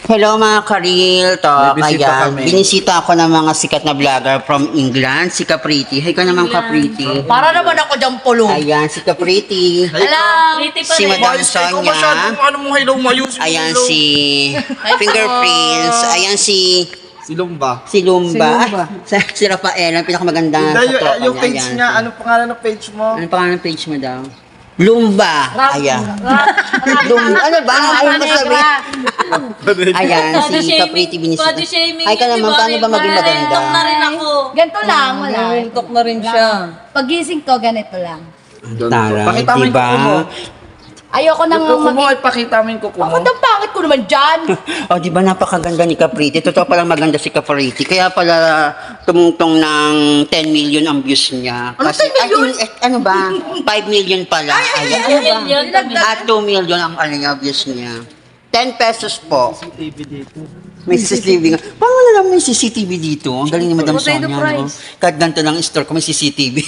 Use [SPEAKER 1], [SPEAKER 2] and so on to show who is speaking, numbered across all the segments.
[SPEAKER 1] Hello mga ka-real talk.
[SPEAKER 2] May bisita
[SPEAKER 1] Ayan,
[SPEAKER 2] kami.
[SPEAKER 1] binisita ako ng mga sikat na vlogger from England. Si Capriti. Hay ka naman Capriti.
[SPEAKER 3] Para naman ako dyan pulong.
[SPEAKER 1] Ayan, si Capriti.
[SPEAKER 3] Alam.
[SPEAKER 4] Pretty pa
[SPEAKER 1] Si
[SPEAKER 4] rin.
[SPEAKER 1] Madam
[SPEAKER 2] Mayos kayo
[SPEAKER 1] Sonia.
[SPEAKER 2] masyado. Ano mo hello, mayus.
[SPEAKER 1] Ayan si Fingerprints. Ayan si
[SPEAKER 2] Silong ba?
[SPEAKER 1] Lumba. Si Rafael, ang pinakamaganda sa tropa
[SPEAKER 2] Yung
[SPEAKER 1] niya.
[SPEAKER 2] page
[SPEAKER 1] Ayan.
[SPEAKER 2] niya, anong pangalan ng page mo?
[SPEAKER 1] Anong pangalan ng page mo daw? Lumba. Ayan. Lumba. Ano ba? Ayaw mo sabihin. Ayan,
[SPEAKER 4] Body
[SPEAKER 1] si
[SPEAKER 4] shaming.
[SPEAKER 1] Capriti binisita.
[SPEAKER 4] Body shaming.
[SPEAKER 1] Ay ka
[SPEAKER 4] yun,
[SPEAKER 1] naman,
[SPEAKER 4] di ba?
[SPEAKER 1] paano ba maging maganda?
[SPEAKER 4] Tok na rin ako.
[SPEAKER 5] Ganito lang, wala.
[SPEAKER 3] Tok na rin siya.
[SPEAKER 5] Pagising ko, ganito lang.
[SPEAKER 1] Tara,
[SPEAKER 2] Pakita mo yung
[SPEAKER 1] diba?
[SPEAKER 2] kuko mo.
[SPEAKER 5] Ayoko nang
[SPEAKER 2] Kuko mo, ipakita mo yung kuko mo.
[SPEAKER 5] Bakit ang pangit ko naman dyan?
[SPEAKER 1] Oh, di ba napakaganda ni Capriti? Totoo palang maganda si Capriti. Kaya pala tumungtong ng 10 million ang views niya.
[SPEAKER 3] Ano, 10 million?
[SPEAKER 1] Ano ba? 5 million pala. Ayan.
[SPEAKER 4] Million.
[SPEAKER 1] At 2 million ang ano niya, views niya. 10 pesos po.
[SPEAKER 2] CCTV dito.
[SPEAKER 1] May CCTV nga. Paano wala lang may CCTV dito? Ang galing ni Madam Sonia. No? Kahit ganito lang store ko, may CCTV.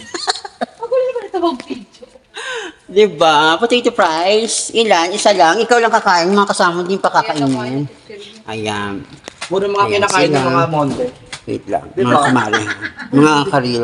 [SPEAKER 1] Diba? Potato fries. Ilan? Isa lang. Ikaw lang kakain. Yung mga kasama din pa kakainin. Ayan.
[SPEAKER 2] Muna mga
[SPEAKER 1] Ayan,
[SPEAKER 2] kinakain ng
[SPEAKER 1] sila.
[SPEAKER 2] mga monde.
[SPEAKER 1] Wait lang.
[SPEAKER 2] Diba?
[SPEAKER 1] Mga kamari. Mga karil.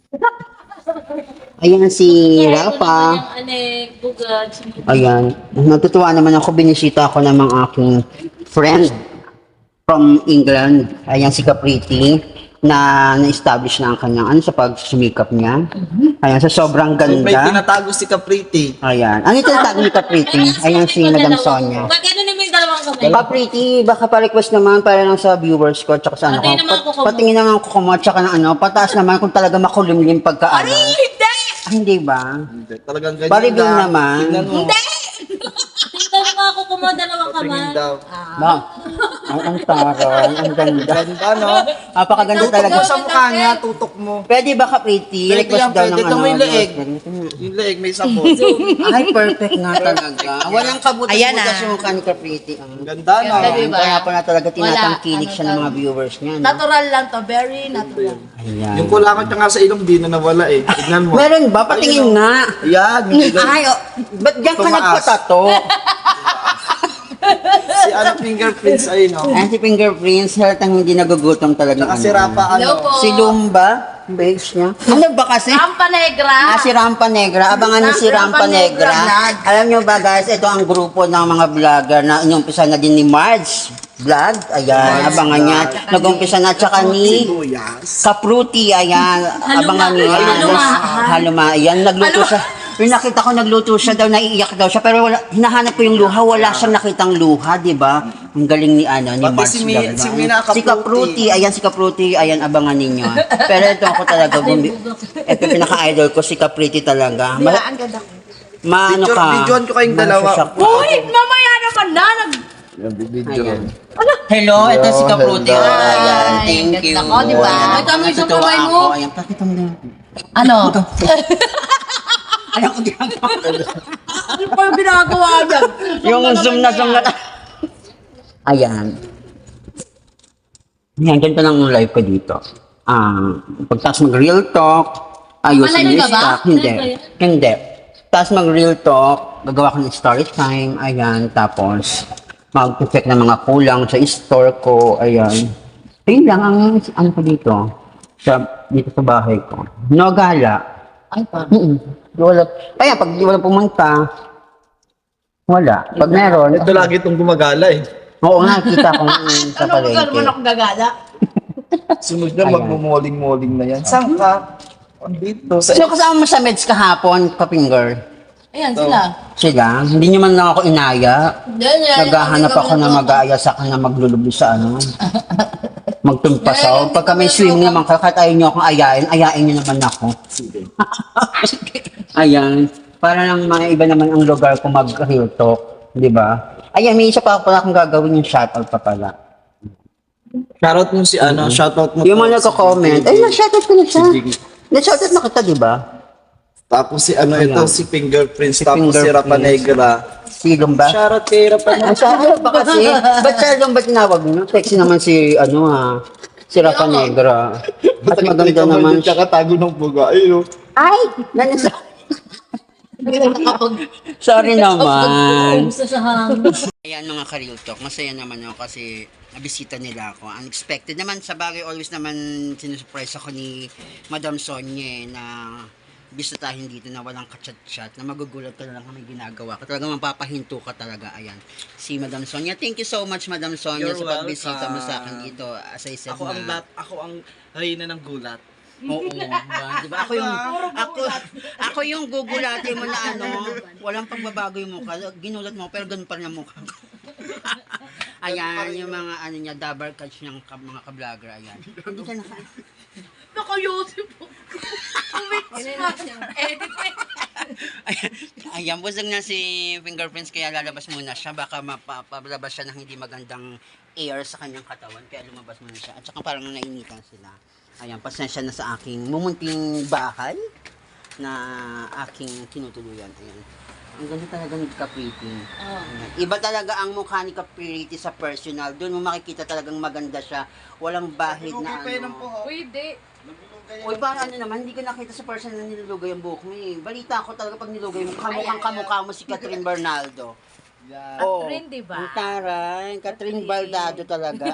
[SPEAKER 1] Ayan si Rafa.
[SPEAKER 4] Yung anek, bugad.
[SPEAKER 1] Ayan. Natutuwa naman ako. Binisita ako ng mga aking friend from England. Ayan si Capriti na na-establish na ang kanyang ano sa pagsumikap niya. Ayan, sa sobrang
[SPEAKER 2] May
[SPEAKER 1] ganda.
[SPEAKER 2] tinatago si Capriti.
[SPEAKER 1] Ayan. Ano ito tag ni Capriti? Ayan si Madam Sonia.
[SPEAKER 4] Pag ano naman yung dalawang kamay.
[SPEAKER 1] Capriti, baka pa-request naman para lang sa viewers ko tsaka sa ano
[SPEAKER 4] Patingin naman
[SPEAKER 1] ko.
[SPEAKER 4] ako, kumo.
[SPEAKER 1] Patingin naman ako kumo tsaka ng ano, pataas naman kung talaga makulimlim pagka ano.
[SPEAKER 5] Hindi!
[SPEAKER 1] Ah, hindi ba?
[SPEAKER 2] Hindi, talagang ganyan
[SPEAKER 1] Pa-review
[SPEAKER 2] lang.
[SPEAKER 1] naman.
[SPEAKER 2] Tingnan mo.
[SPEAKER 4] Tingnan mo ako kumo dalawang
[SPEAKER 2] Tingin
[SPEAKER 4] kamay.
[SPEAKER 2] daw.
[SPEAKER 1] Ba? Ang taray, ang ganda.
[SPEAKER 2] Ganda, no?
[SPEAKER 1] Napakaganda
[SPEAKER 2] Tutok
[SPEAKER 1] talaga.
[SPEAKER 2] mo sa mukha niya, tutok mo.
[SPEAKER 1] Pwede ba Capriti?
[SPEAKER 2] Pwede
[SPEAKER 1] Request
[SPEAKER 2] yan,
[SPEAKER 1] daw ng
[SPEAKER 2] pwede. Ito
[SPEAKER 1] ano.
[SPEAKER 2] mo yung leeg.
[SPEAKER 1] Ganito nga.
[SPEAKER 2] Yung leeg, may sabon.
[SPEAKER 1] Ay, perfect nga talaga. Walang
[SPEAKER 5] Ayan
[SPEAKER 1] kabutas-butas
[SPEAKER 5] na.
[SPEAKER 1] yung mukha ni Capriti.
[SPEAKER 2] Ganda, no?
[SPEAKER 5] Ganda, diba?
[SPEAKER 1] Kaya pa na talaga tinatangkilik
[SPEAKER 5] Wala.
[SPEAKER 1] siya ng mga viewers niya. No?
[SPEAKER 5] Natural lang to, very natural.
[SPEAKER 1] Ayan.
[SPEAKER 2] Yung kulangan niya nga sa ilong, di na nawala eh. Tignan mo.
[SPEAKER 1] Meron ba? Patingin nga.
[SPEAKER 2] Ayan, yung ilong.
[SPEAKER 1] Ay, oh, ba't diyan ka
[SPEAKER 2] Tumaas.
[SPEAKER 1] nagpatato?
[SPEAKER 2] Si ano fingerprints ay, no?
[SPEAKER 1] Ayan si Fingerprints, halatang hindi nagugutom talaga.
[SPEAKER 2] Saka si Rafa,
[SPEAKER 5] Hello
[SPEAKER 2] ano?
[SPEAKER 5] po.
[SPEAKER 1] Si Lumba, base niya. Ano ba kasi?
[SPEAKER 5] Rampa Negra.
[SPEAKER 1] Si Rampa Negra. Abangan niyo si Rampa
[SPEAKER 5] Rampa Negra
[SPEAKER 1] Negra.
[SPEAKER 5] vlog.
[SPEAKER 1] Alam niyo ba guys, ito ang grupo ng mga vlogger na inumpisa na din ni Marge Vlog. Ayan, abangan niya. Nag-umpisa na tsaka ni
[SPEAKER 2] Luyas.
[SPEAKER 1] Kapruti. Ayan, abangan niyo yan.
[SPEAKER 4] Haluma.
[SPEAKER 1] Haluma. Ayan, nagluto siya. Yung nakita ko nagluto siya daw, naiiyak daw siya. Pero wala, hinahanap ko yung luha. Wala siyang nakitang luha, di ba? Ang galing ni ano, ni
[SPEAKER 2] Pati
[SPEAKER 1] Marge
[SPEAKER 2] si
[SPEAKER 1] Vlog.
[SPEAKER 2] si Mina
[SPEAKER 1] Si Kapruti. Ayan, si Kapruti. Ayan, abangan ninyo. Pero ito ako talaga. Ito pinaka-idol ko, si Kapruti talaga.
[SPEAKER 5] Kaya ang ganda ko.
[SPEAKER 1] Maano ka?
[SPEAKER 2] Videoan ko kayong dalawa.
[SPEAKER 1] Masusyak ka.
[SPEAKER 5] Uy, mamaya naman na.
[SPEAKER 2] Video.
[SPEAKER 1] Ayan. Hello, ito si Kapruti.
[SPEAKER 2] Ganda.
[SPEAKER 1] Ayan,
[SPEAKER 5] Ay,
[SPEAKER 1] thank
[SPEAKER 5] ganda
[SPEAKER 1] you.
[SPEAKER 5] ko, di ba?
[SPEAKER 1] Ayan,
[SPEAKER 5] Ay, tama yung
[SPEAKER 1] natutuwa
[SPEAKER 5] kamay mo.
[SPEAKER 1] ako. Ayan, pakita mo na.
[SPEAKER 5] Ano?
[SPEAKER 1] Ayan, ko ginagawa.
[SPEAKER 5] Ano pa yung ginagawa niyan?
[SPEAKER 1] Yung zoom na zoom na. Ayan. Ayan, ganito lang ang live ko dito. Pagtas mag-real talk, ayusin
[SPEAKER 5] Malay
[SPEAKER 1] yung
[SPEAKER 5] ka ba?
[SPEAKER 1] stock. Hindi.
[SPEAKER 4] Live ba yan?
[SPEAKER 1] Hindi. Tapos mag-real talk, gagawa ko ng story time, ayan, tapos mag-check ng mga kulang sa store ko, ayan. Ayun lang ang ano ko dito, dito sa bahay ko. No gala.
[SPEAKER 5] Ay, pa.
[SPEAKER 1] Wala. Kaya pag di wala pumunta, wala. Pag meron,
[SPEAKER 2] Ito lagi itong gumagala eh.
[SPEAKER 1] oo nga, kita ko sa
[SPEAKER 5] Ano ba naman
[SPEAKER 1] palengke.
[SPEAKER 5] ako gagala?
[SPEAKER 2] Sunod na
[SPEAKER 1] Ayan.
[SPEAKER 2] magmumoling-moling na yan. Saan ka? Dito. Sa
[SPEAKER 1] Sino kasama mo sa meds kahapon, Kapinger?
[SPEAKER 5] Ayan sila.
[SPEAKER 1] Sila? Hindi nyo man lang ako inaya.
[SPEAKER 5] Yan.
[SPEAKER 1] Naghahanap ako na mag-aaya sa akin na maglulubi sa ano. Magtumpasaw. Pagka may swimming naman, kahit ayaw nyo akong ayain nyo naman ako. Ayan. Para lang mga iba naman ang lugar ko mag-real talk. Di ba? Ayan, may isa pa pala akong gagawin yung shoutout pa pala.
[SPEAKER 2] Shoutout mo si ano, shoutout mo.
[SPEAKER 1] Yung
[SPEAKER 2] to
[SPEAKER 1] mga
[SPEAKER 2] si
[SPEAKER 1] nagko-comment, ay,
[SPEAKER 2] JJ.
[SPEAKER 1] na-shoutout ko na siya.
[SPEAKER 2] Si JJ.
[SPEAKER 1] Na-shoutout na kita, di ba?
[SPEAKER 2] Tapos si ano
[SPEAKER 1] Ayan.
[SPEAKER 2] ito, si Fingerprints.
[SPEAKER 1] Si
[SPEAKER 2] Tapos si Rafa
[SPEAKER 1] Fingerprints.
[SPEAKER 2] Negra.
[SPEAKER 1] Silong ba?
[SPEAKER 2] Shoutout kay Rafa
[SPEAKER 1] Ang
[SPEAKER 2] Negra.
[SPEAKER 1] ano ba kasi? Ba't Silong ba tinawag nyo? Sexy naman si, ano si Rafa Negra. At maganda naman siya.
[SPEAKER 2] Tsaka tago ng buga. Ayun.
[SPEAKER 1] Ay! Nanasa. Sorry naman.
[SPEAKER 5] Gusto sa hangin.
[SPEAKER 1] Ayan mga ka-real talk, masaya naman ako kasi nabisita nila ako. Unexpected naman, sa bagay always naman sinusurprise ako ni Madam Sonia na bisitahin dito na walang kachat-chat, na magugulat ka na lang may ginagawa ka. Talaga mapapahinto ka talaga. Ayan, si Madam Sonia. Thank you so much Madam Sonia
[SPEAKER 2] You're
[SPEAKER 1] sa pagbisita mo sa akin
[SPEAKER 2] welcome.
[SPEAKER 1] dito. As I said
[SPEAKER 2] Ako ang reyna ng gulat.
[SPEAKER 1] Oo, diba? Ako yung gugulatin mo na walang pagbabago yung mukha. Ginulat mo, pero ganun pa rin ang mukha ko. Ayan, yung mga niya, double catch niyang mga ka-vlogger, ayan. Hindi ka naka...
[SPEAKER 4] Naka-YouTube po.
[SPEAKER 1] Ayan, busog na si Fingerprints, kaya lalabas muna siya. Baka mapapalabas siya ng hindi magandang air sa kanyang katawan, kaya lumabas muna siya. At saka parang nainitan sila. Ayan, pasensya na sa aking mumunting bahay na aking tinutuluyan. Ayan. Ang ganda talaga ni Capriti. Ayan. Iba talaga ang mukha ni Capriti sa personal. Doon mo makikita talagang maganda siya. Walang bahid na
[SPEAKER 3] Pwede.
[SPEAKER 1] Uy, parang naman, hindi ko nakita sa personal na nilulugay ang buhok mo eh. Balita ko talaga pag nilugay mo, kamukha mo si Catherine Bernaldo. Oo.
[SPEAKER 5] Catherine, di ba?
[SPEAKER 1] Ang taray, Catherine Baldado talaga.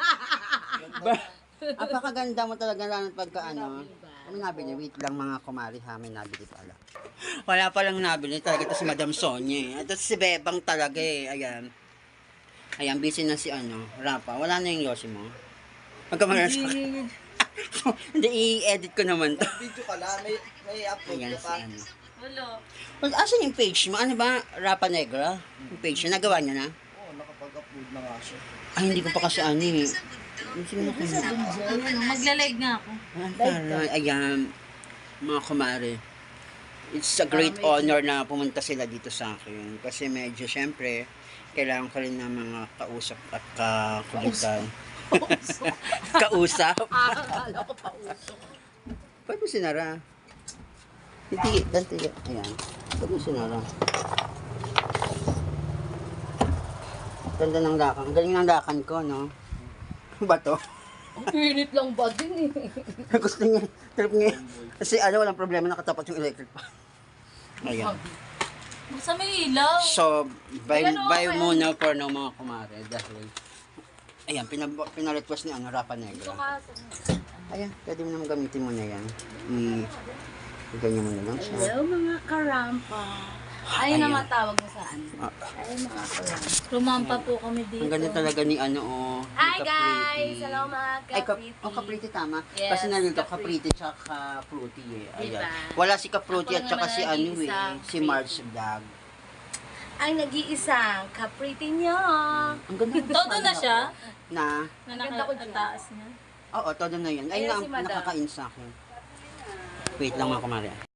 [SPEAKER 1] Apakaganda mo talaga lang pagka May nabili, wait lang mga kumari ha, may nabili pala. Wala palang nabili talaga, ito si Madam Sonia eh. Ito si Bebang talaga eh, ayan. Ayan, busy na si Rapa. Wala na yung Yoshi mo. Magkamaras ko. Hindi, i-edit ko naman to.
[SPEAKER 2] Video ka lang, may upload
[SPEAKER 1] Ayan
[SPEAKER 2] ka
[SPEAKER 1] si
[SPEAKER 2] pa.
[SPEAKER 4] Wala.
[SPEAKER 1] Well, asan yung page mo? Ano ba? Rapa Negra? Yung page niya, nagawa niya na?
[SPEAKER 2] Oo, nakapag-upload na nga siya.
[SPEAKER 1] Ay, hindi ko pa kasi eh. Sino na kayo?
[SPEAKER 4] Maglalag nga ako.
[SPEAKER 1] Ayan, mga kumare. It's a great honor na pumunta sila dito sa akin. Kasi medyo, syempre, kailangan ko rin ng mga kausap at kakulitan. Kausap?
[SPEAKER 5] Akala ko pa uso.
[SPEAKER 1] Pwede mo sinara. Hindi, dante. Ayan. Pwede mo sinara. Ganda ng lakan. Ang galing ng lakan ko, no? Ba to?
[SPEAKER 5] Ang pinit lang ba din eh?
[SPEAKER 1] Gusto niya. Trip niya. Kasi walang problema, nakatapat yung electric pa. Ayan.
[SPEAKER 4] Sa may ilaw.
[SPEAKER 1] So, buy muna for no mga kumare. Dahil, ayan, pina-request ni Rapa Negra. Ayan, pwede mo naman gamitin mo na yan. Ganyan mo na lang siya.
[SPEAKER 5] Hello mga karampa. Ay
[SPEAKER 1] Ayan.
[SPEAKER 5] naman tawag mo saan?
[SPEAKER 1] Ah.
[SPEAKER 5] Ay mga karampa.
[SPEAKER 4] Lumampa po kami dito.
[SPEAKER 1] Ang ganda talaga ni ni
[SPEAKER 5] Hi
[SPEAKER 1] Capriti.
[SPEAKER 5] guys! Hello mga
[SPEAKER 1] Ay,
[SPEAKER 5] kapriti.
[SPEAKER 1] Capriti tama.
[SPEAKER 5] Yes,
[SPEAKER 1] Kasi nandito
[SPEAKER 5] Capriti.
[SPEAKER 1] Capriti tsaka Fruity eh. Ayan.
[SPEAKER 5] Diba?
[SPEAKER 1] Wala si Capriti
[SPEAKER 5] Ako
[SPEAKER 1] at tsaka
[SPEAKER 5] naman
[SPEAKER 1] si
[SPEAKER 5] nag-iisa.
[SPEAKER 1] si Marge Vlog.
[SPEAKER 5] Ang nag-iisang kapriti niyo.
[SPEAKER 1] Ang ganda.
[SPEAKER 4] Todo na siya.
[SPEAKER 1] Na,
[SPEAKER 4] Na
[SPEAKER 5] Maganda ko dyan.
[SPEAKER 4] nakataas niya.
[SPEAKER 1] oo, todo na yun. Ay,
[SPEAKER 5] Ayan si Madam.
[SPEAKER 1] nakakain sa akin. Wait lang mga kumare.